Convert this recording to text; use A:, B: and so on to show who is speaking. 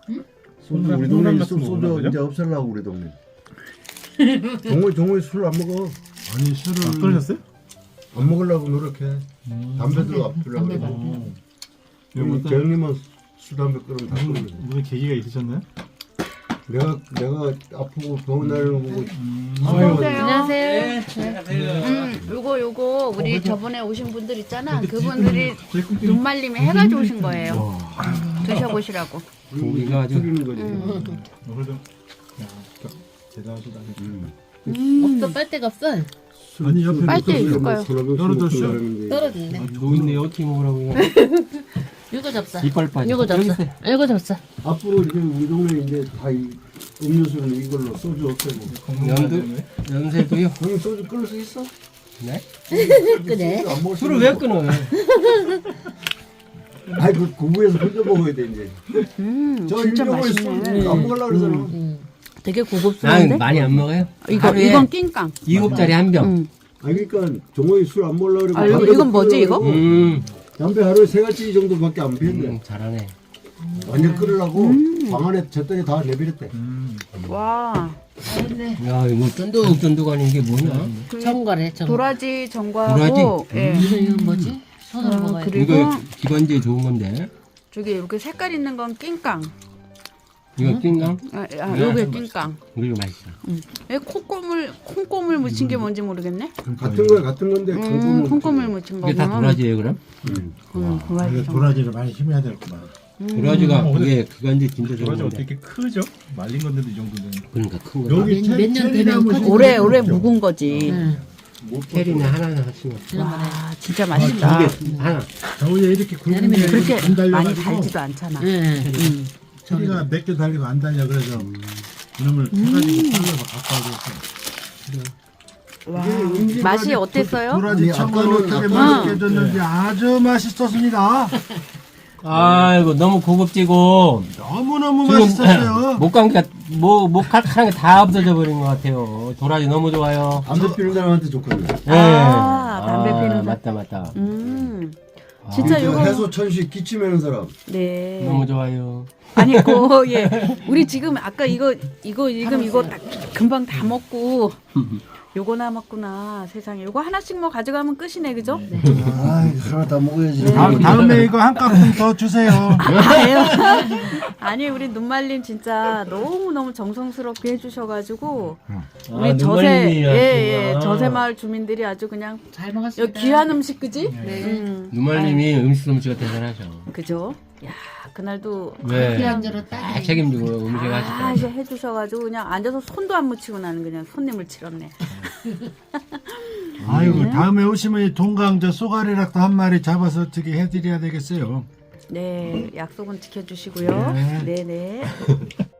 A: 소주 우리 동네 소주 이제 없애려고 우리 동네. 종호이 술 안 먹어.
B: 아니 술을
C: 안 끊으셨어요?
A: 안 먹으려고 노력해. 담배도 안 피려고 그래. 우리 재영님은 술 담배 끊으면 다 끊는 거야.
C: 무슨 계기가 있으셨나요?
A: 내가 아프고 병원 다니는 거 보고
D: 안녕하세요. 요거 우리 저번에 오신 분들 있잖아. 그분들이 눈말림에 해가지고 오신 거예요. 드셔보시라고.
E: 고기가 아주
A: 줄이는 거지.
C: 그래도 대단하시다.
F: 없어 빨대가 없어.
B: 아니 옆에
D: 빨대 있을까요?
F: 떨어진대.
E: 노인네 어떻게 먹으라고 이거.
F: 이거 접사.
E: 이빨 빠져.
F: 이거 접사. 이거 접사.
A: 앞으로 이제 우리 동네 이제 다 음료수는 이걸로 소주 없애고.
E: 연세도요.
A: 형님 소주 끊을 수 있어?
E: 네?
F: 그래.
A: 안 먹을
E: 술을 왜 끊어요?
A: 아이 그 구부에서 혼자 먹어야 돼 이제. 저
D: 진짜
A: 일병을
D: 맛있네.
A: 안 먹으려고 그러잖아.
D: 되게
E: 난
D: 고급스러운데?
E: 많이 안 먹어요.
D: 이건 낑깡.
E: 2호짜리 한 병.
A: 아 그러니까 종호이 술 안 먹으려고 그러고.
D: 아,
A: 담배도
D: 이건 뭐지,
A: 끊으려고.
E: 음.
A: 담배 하루에 3가지 정도밖에 안 피는데
E: 잘하네.
A: 완전 끊으려고 방 안에 젖더니 다 내버렸대.
D: 와,
E: 야 이거 쫀득쫀득하니 이게 뭐냐?
F: 정거래 정.
D: 도라지 전과하고, 예.
F: 이건 뭐지? 손으로 먹어야 돼.
D: 그리고
E: 이거 기관지에 좋은 건데.
D: 저기 이렇게 색깔 있는 건 낑깡.
E: 이거 띵강?
D: 요게 낑깡.
E: 이거 맛있어.
D: 콩고물 묻힌 게 뭔지 모르겠네.
A: 같은 거야 같은 건데
D: 콩고물 묻힌
E: 이게 다
D: 거구나.
E: 도라지예요 그럼?
D: 도라지
B: 이거 도라지를 많이 힘해야 되겠구만.
E: 도라지가 이게 기관지 진짜 좋은
C: 도라지
E: 건데.
C: 어떻게 이렇게 크죠? 말린 건데도 이 정도는.
E: 그러니까 큰 거.
B: 여기
F: 몇년 되면 커지죠.
D: 오래 묵은 거지.
F: 응.
E: 캐리는 하나는 하시면.
D: 와, 진짜 맛있다.
E: 두개 하나.
B: 저기에 이렇게 굵은 게
D: 그렇게
B: 안
D: 많이
B: 달려가지고
D: 달지도 않잖아.
F: 응.
B: 소리가 몇 개 달리고 안 달려 그래서 이놈을 해가지고 잘라서 갖고 와줬어요.
D: 와, 맛이 어땠어요?
B: 도라지
A: 아니,
B: 청과를
A: 아까는-
B: 어떻게
A: 아까는-
B: 맛있게 해줬는지 아주 맛있었습니다.
E: 아이고 너무 고급지고
B: 너무너무
E: 지금
B: 맛있었어요.
E: 목감기가 목 칼칼한 게 다 없어져 버린 것 같아요. 도라지 너무 좋아요.
A: 담배 피는 사람한테 좋거든.
E: 네.
D: 담배 피는
E: 맞다 맞다.
D: 진짜
A: 그
D: 이거
A: 해소 천식 기침하는 사람.
D: 네.
E: 너무 좋아요.
D: 아니 예. 우리 지금 아까 이거 지금 이거 딱 금방 다 먹고 요거 남았구나. 세상에. 요거 하나씩 뭐 가져가면 끝이네. 그죠?
A: 아, 하나 다 먹어야지.
B: 다음에 이거 한 값은 더 주세요.
D: 아유. 아니 우리 눈말림 진짜 너무너무 정성스럽게 해주셔가지고 우리 저세 저세마을 주민들이 아주 그냥
F: 잘
D: 여기
F: 먹었습니다.
D: 귀한 음식 그지?
E: 누말님이 음식 솜씨가 대단하죠.
D: 그죠? 야 그날도
E: 네.
F: 그냥저러 딱.
E: 다 책임지고 음식 하시죠.
D: 이제 해주셔가지고 그냥 앉아서 손도 안 묻히고 나는 그냥 손님을 치렀네.
B: 아이고 다음에 오시면 이 동강저 쏘가리락도 한 마리 잡아서 어떻게 해드려야 되겠어요.
D: 네 약속은 지켜주시고요. 네네.